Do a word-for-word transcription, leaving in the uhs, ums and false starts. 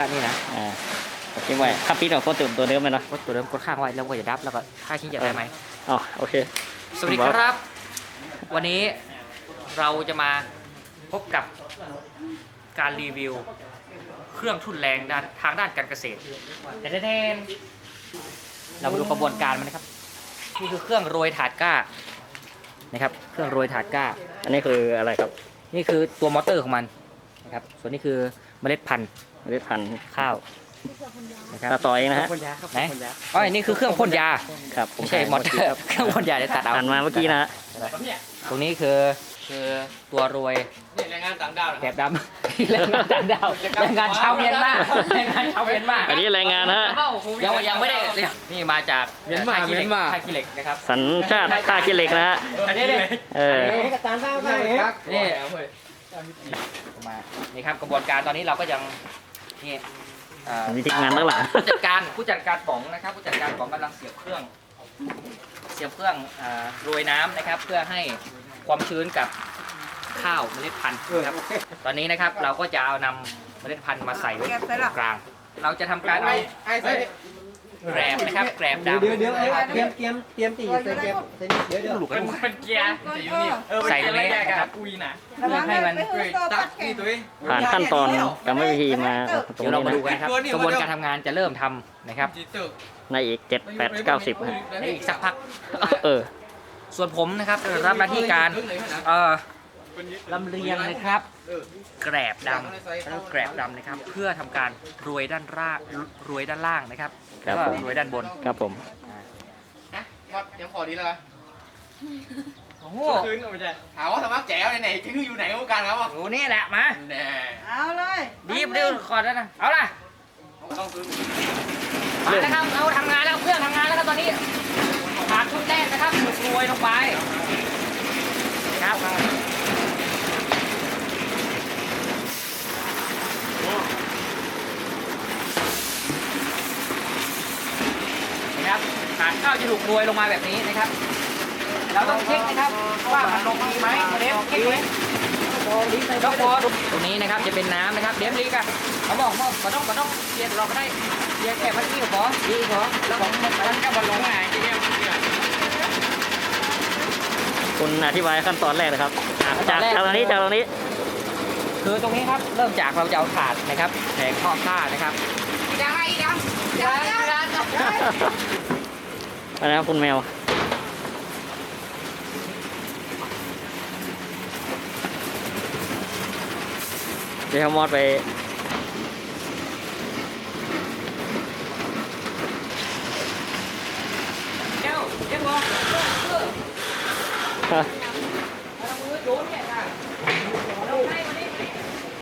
นี่นะอ่าทิ้งไว้ข้าปิดเอาโคตรตื่นตัวเดิมเลยเนาะกดตัวเดิมกดข้างไว้แล้วก็จะดับแล้วก็ค่าชิ้นจะได้ไหมอ๋อโอเคสวัสดีครับ วันนี้เราจะมาพบกับการรีวิวเครื่องทุ่นแรงด้านทางด้านการเกษตรเดนเรามาดูกระบวนการมันนะครับนี่คือเครื่องโรยถาดก้านะครับเครื่องโรยถาดก้าอันนี้คืออะไรครับนี่คือตัวมอเตอร์ของมันนะครับส่วนนี้คือเมล็ดพันธุ์เมล็ดพันธุ์ข้าวนะครับต่อเองนะฮะไหนอ๋อนี่คือเครื่องพ่นยาครับไม่ใช่มอเตอร์เครื่องพ่นยาเดี๋ยวตัดเอาหันมาเมื่อกี้นะฮะตรงนี้คือคือตัวโรยแรงงานต่างดาวแกบดำแรงงานต่างดาวแรงงานชาวเมียนมาแรงงานชาวเมียนมาอันนี้แรงงานฮะยังยังไม่ได้นี่มาจากเมียนมาเมียนมาท่าขี้เหล็กนะครับสัญชาติท่าขี้เหล็กนะฮะอันนี้เลยเออนี่มานี่ครับกระบวนการตอนนี้เราก็ยังนี่มีทีมงานตั้งหลังผู้จัดการผู้จัดการป๋องนะครับผู้จัดการป๋องกำลังเสียบเครื่องเสียบเครื่องโรยน้ำนะครับเพื่อให้ความชื้นกับข้าวเมล็ดพันธุ์นะครับตอนนี้นะครับเราก็จะเอานำเมล็ดพันธุ์มาใส่ไว้ตรงกลางเราจะทำการเอาแกรบนะครับแกรบดำเดี๋ยวเดี๋ยวเตรียมเตรียมเตรียมตีใส่แกบใส่เดี๋ยวเดี๋ยวหลุกกันเป็นเกียร์ใส่ตรงนี้นะครับอุ้ยนะเพื่อให้มันตักนี่ตัวเองผ่านขั้นตอนกรรมวิธีมาตรงเดี๋ยวเรานี้มานะดูกันครับกระบวนการทำงานจะเริ่มทำนะครับในอีกเจ็ดแปดเก้าสิบฮะในอีกสักพักเออส่วนผมนะครับจะรับหน้าที่การเอ่อลำเลียงนะครับแกรบดำแล้วแกรบดำนะครับเพื่อทำการโรยด้านล่างโรยด้านล่างนะครับแล้วก็โรยด้านบนครับผมครับยังพอดีแล้วกันโอ้โหคืนไม่ใช่ถามว่าสมัครแจ๋วไหนๆคืออยู่ไหนกันครับโอ้นี่แหละมาเอาเลยดีบดิวขอดแล้วนะเอาล่ะต้องซื้อมาแล้วครับเอาทำงานแล้วเครื่องทำงานแล้วครับตอนนี้ถาดทุ่นแรกนะครับถูกโรยลงไปครับนะครับถาดข้าวจะถูกโรยลงมาแบบนี้นะครับเราต้องเช็คนะครับว่ามันลงดีไหมเดฟเช็คไหมยกพอตรงนี้นะครับจะเป็นน้ำนะครับเดฟลีกันเขาบอกว่าไม่ต้องไม่ต้องเรียนเราก็ได้เรียนแค่พันที่พอดีพอแล้วของมันก็บอลลงไงที่นี่คุณอธิบายขั้นตอนแรกนะครับจากตรงนี้จากตรงนี้คือตรงนี้ครับเริ่มจากเราจะเอาถาดนะครับแผงข้อผ้านะครับยังไงยังยังยังอะไรครับคุณแมวเดี๋ยวมอดไปเจ้าเจ้าบอลเออเอามือโยนเนี่ยค่ะ